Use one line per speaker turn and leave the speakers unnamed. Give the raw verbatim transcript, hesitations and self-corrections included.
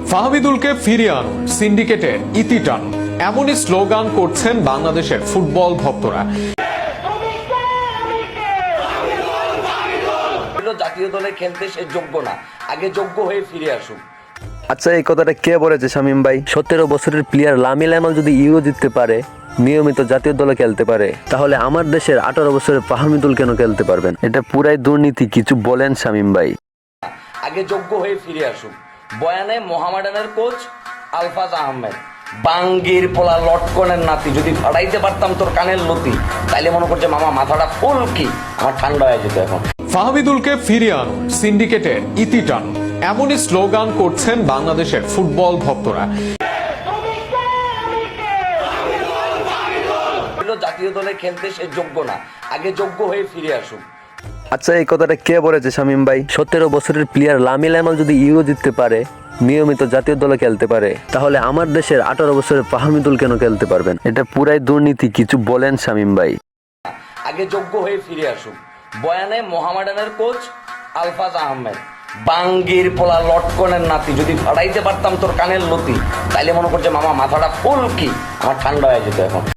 ফাহমিদুলকে ফিরিয়ে আনুন, সিন্ডিকেটের ইতি টানুন, এমনই স্লোগান করছেন বাংলাদেশের ফুটবল ভক্তরা।
জাতীয় দলে খেলতে সে যোগ্য না, আগে যোগ্য হয়ে ফিরে আসুক।
আচ্ছা, এই কথাটা কে বলেছে শামীম ভাই? সতেরো বছরের প্লেয়ার লামিল আমাল যদি ইউরো জিততে পারে, নিয়মিত জাতীয় দলে খেলতে পারে, তাহলে আমার দেশের আঠারো বছরের ফাহমিদুল কেন খেলতে পারবেন? এটা পুরাই দুর্নীতি। কিছু বলেন শামীম ভাই।
আগে যোগ্য হয়ে ফিরে আসুক। বয়ানে মোহামেডানের কোচ আলফাজ আহমেদ, বাঙ্গির পোলা লটকনের নাতি, যদি ফাড়াইতে পারতাম তোর কানের লতি, তাইলে মনে করছে মামা মাথাটা ফুল কি, আমার ঠান্ডা হয়ে যেত এখন।
ফাহমিদুলকে ফিরিয়ে আনুন, সিন্ডিকেটের ইতি টানুন, এমনই স্লোগান করছেন বাংলাদেশের ফুটবল ভক্তরা।
জাতীয় দলে খেলতে সে যোগ্য না, আগে যোগ্য হয়ে ফিরে আসুক।
আচ্ছা, এই কথাটা কে বলেছে শামীম ভাই? সতেরো বছরের প্লেয়ার লামিল আমাল যদি ইউরো জিততে পারে, নিয়মিত জাতীয় দলে খেলতে পারে, তাহলে আমার দেশের আঠারো বছরের ফাহমিদুল কেন খেলতে পারবেন? এটা পুরাই দুর্নীতি। কিছু বলেন শামীম ভাই।
আগে যোগ্য হয়ে ফিরে আসুক। বয়ানে মোহামেডানের কোচ আলফাজ আহমেদ, বাঙ্গির পোলা লটকনের নাতি, যদি ফাড়াইতে পারতাম তোর কানের লতি, তাইলে মনে করছে মামা মাথাটা ফুল কি, আমার ঠান্ডা হয়ে যেত এখন।